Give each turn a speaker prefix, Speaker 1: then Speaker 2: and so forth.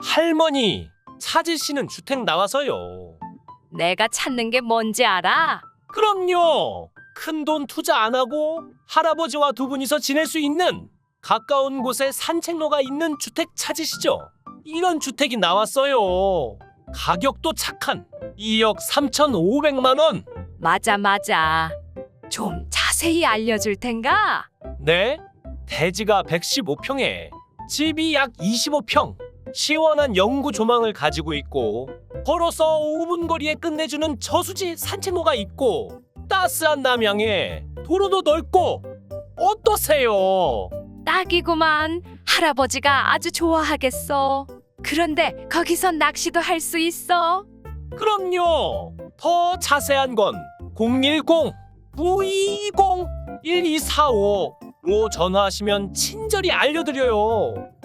Speaker 1: 할머니, 찾으시는 주택 나와서요.
Speaker 2: 내가 찾는 게 뭔지 알아?
Speaker 1: 그럼요. 큰 돈 투자 안 하고 할아버지와 두 분이서 지낼 수 있는 가까운 곳에 산책로가 있는 주택 찾으시죠? 이런 주택이 나왔어요. 가격도 착한 2억 3,500만 원.
Speaker 2: 맞아. 좀 자세히 알려줄 텐가?
Speaker 1: 네? 대지가 115평에 집이 약 25평. 시원한 영구 조망을 가지고 있고 걸어서 5분 거리에 끝내주는 저수지 산책로가 있고 따스한 남향에 도로도 넓고 어떠세요?
Speaker 2: 딱이구만. 할아버지가 아주 좋아하겠어. 그런데 거기서 낚시도 할 수 있어?
Speaker 1: 그럼요. 더 자세한 건 010-920-1245로 전화하시면 친절히 알려드려요.